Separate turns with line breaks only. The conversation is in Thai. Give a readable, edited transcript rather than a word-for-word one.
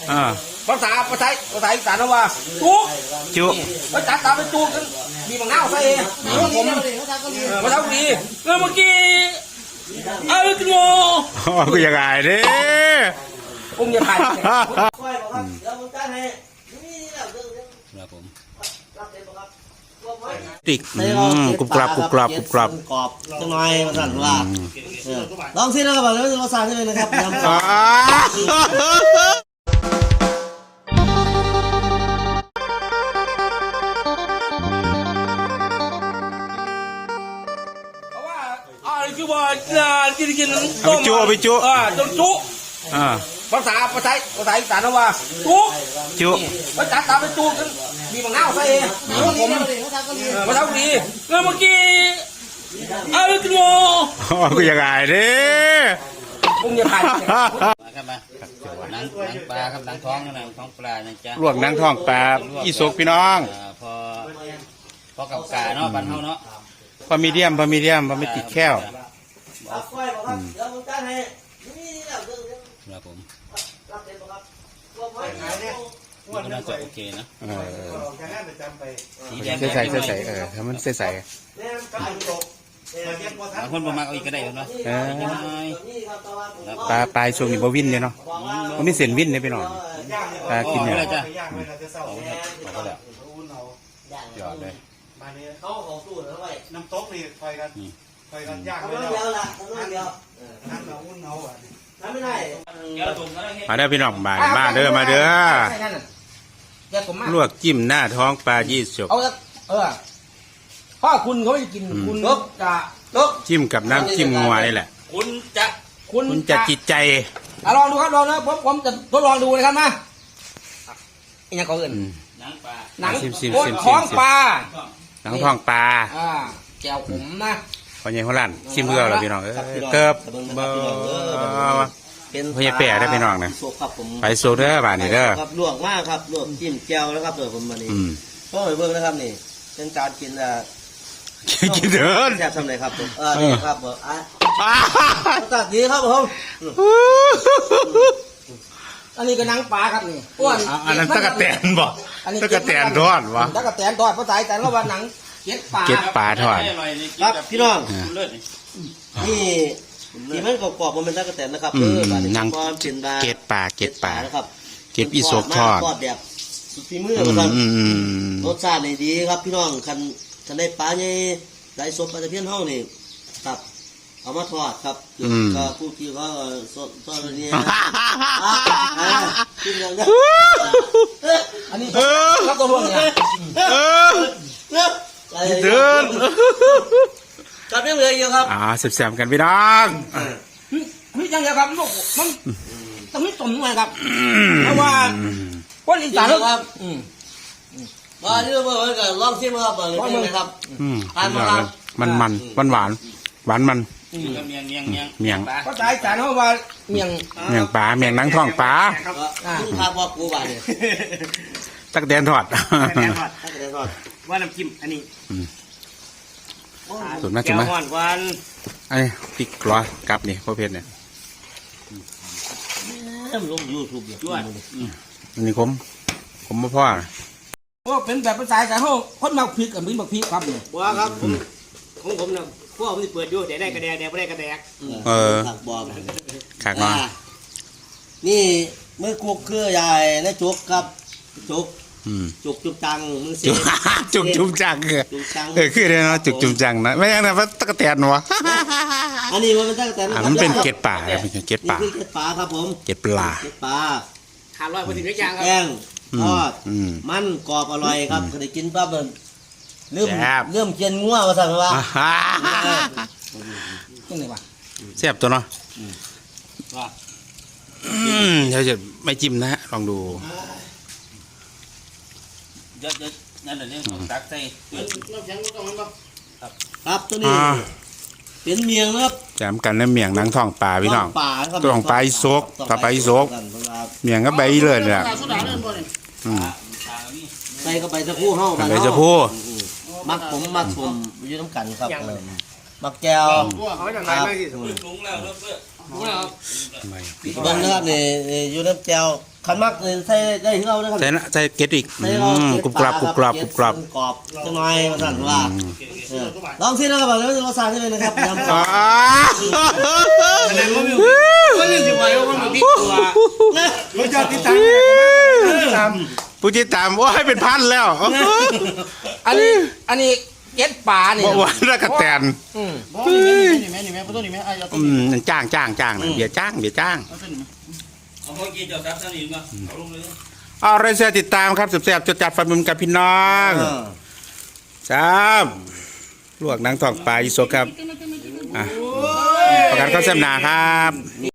ภาษาอีสานว่าจุภาษาตามเป็นจุมีบางหน้าใส่ผมภาษาดีเมื่อกี้เอาตัว
กูยังไงเด้
ผมจะถ่าย
ติกกรุบกรับ
กรอบจังหน่อยมาสั่นว่าลองซินะครับแล้วเราสั่งให้เลยนะครับ
คือว่ากิน
ไปจุ
ต้มจุภาษาอีสานว่าจุภาษาตามเป็นจุมีบางหน้าใส่ผมภาษาดีเมื่อกี้เอาตัว
กูยังไงเด้
ผมจะถ่าย
ครับมาหนังปลาครับหนังท้องปลานะจ๊ะ
ลวกหนังท้องปลาอีสกพี่น้อง
พอกับกาเนาะบ้านเฮาเนาะ
พอมีเดียมไม่ติดแค้ว
ครับผมน่าจะโอเคนะ
ใส่ทำมันใส่
บางคนประมาณเอาอีกก็ได้เนาะ
ปลาช่วงนี้บ่วินเลยเนาะมันไม่เส้นวินเลยพี่น้องปลากินเนี่ย
ยอดเลย
เขาสู้แล้วไป
น้ำตกนี่ไฟกันย่าง
ไม่ได้น้ำเราอุ่นเอาทำไม่ได้
มาเด้อพี่น้องมาเด้อลวกจิ้มหน้าท้องปลายี่สก
พ่อคุณเขาไม่กินคุณจะ
จิ้มกับน้ำจิ้มงัวนี่แหละคุณจะจิตใจ
ลองดูครับลองนะผมจะทดลองดูนะครับนะอีกอย่างเขาอื่นหนังท้องปลาแก้วผมนะ
พอใหญ่หัวลั่นชิมเพื่อเราพี่น้องเติบพอใหญ่แปะได้พี่น้องนะไปโซเด้อบานนี่เด้อ
ครับลวกมากครับลวกจิ้มแก้วแล้วครับเดี๋ยวผมมานี่ก็ไปเบิ่งนะครับนี่เป็นการกิน
กินเดิน
แซ่บทำไรครับผมนี่ครับตัดดีครับผมอันนี้ก็นังปลาครับนี่อ้วน
อันนั้นตะกะแตนบ่ตะกะแตนทอดวะ
ตะกะแตนทอดภาษาแต่ละวันหนังเก็ด
ปลาทอด
ครับพี่น้องนี่มันกรอบๆมันเป็นตะกะแตนนะครับ
นังเก็ดปลา
นะครับ
เก็ดอีสกทอด
แบบฝีมือครับรสชาติดีครับพี่น้องคันได้ปลาใหญ่ได้สดปลาตะเพียนห้องนี่ครับเอามาทอดครับก็ผู้ที่เขาทอดนี่กินอย่างนี้อันนี้ครับตัวพวกนี้
เดิน
จับยังเลยอยู่ครับ
แซมกันพี่น้อง
นี่ยังไงครับลูกมันต้องมีตุ่มหน่อยครับเพราะว่าคนอีสานครับ
ว่าที่เราบอกกันลองชิมครับเลยนี่นะครับ
มันหวานเมียง
ภาษาอีสานเขาว่าเมีย
งปลาเมียงนังท้องปลา
ภาพว่ากูบ้าเนี่ย
ตะกะแตนทอด
ว่าน้ำจิ้มอันนี้
สุดมากไอ้ติ๊กกล้อกลับนี่พ่อเพชรเนี่ย
ลงยูทูบอยู่ด้วย
อันนี้ผมมาพ่อ
ว่าเป็นแบบภาษาอีสานเขาคนมาพริกกับมิ้นบักพริกครับเนี่ย
ว่าครับของผมเนี่ยพวกผมเปิดอยู่แต่ได้กระแดกไม่ได้กระแดกบอก
ขากมา
นี่มือกุกคือใหญ่และจุกครับจุกจังมือเสีย
จุกจังคือเลยเนาะจุกจังนะไม่ยังนะว่าตะกะแตนวะ
อันนี้มันเป็นตะกะแตน
มันเป็นเกล็ดปลาเป็นเกล็ดปลา
ครับผม
เกล็ดปลา
ขาลอยพอดีไม่ยางครับ
แกงทอดมันกรอบอร่อยครับเคยกินปั๊บมันเริ่มเจียนงัวมาสั่งว่า
แซ่บตัวเนาะเดี๋ยวจะไม่จิ้มนะฮะลองดู
เยอะนั่นแหละเรื่องตักใส่
ครับตัวนี้เป็นเมียงครับ
แจมกันแล้วเมียงนังท้องปลาพี่น้องตัวของปลาโซกต่อไปโซกเมียงก็ใบเลยเนี่ย
ใส่ก็ไปจะพูเฮ้า
ไปจะพู
มักผมยืนน้ำกันครับมักแก้วเบิ่งนะครับนี่อยู่น้ำแจ่วคันมักใส่ได้ที่เรานะครับ
ใส่เกล็ดอีก
ใส่เรา
กรุบกรอบกรุบกรอบกรุบกรอบ
กรอบจังหน่อยสั่นว่าลองสินะครับแล้วรสชาติเป็นนะครับยำกรอบ
แสดงว่ามีสิไว้ว่ามันพริกตัว
รสชาติที่ต่าง
ผู้ติดตามว่าให้เป็นพันแล้ว
อันนี้เก็ดปลาเนี่ย
บ่หวานแล้วก็แตน
นี่แม่นี่แม่ตัวนี้แม่ไอ้เอาตัว
จ้างนะเบียร์จ้าง
เอาเมื่อกี้เจ้าซับซะนี่มาเอาลงเลย
เอาอะไรเสียติดตามครับแซ่บๆจดจัดฟันมุมกับพี่น้องครับลวกหนังทองปลาอีโซครับประกันข้าวแซ่บหนาครับ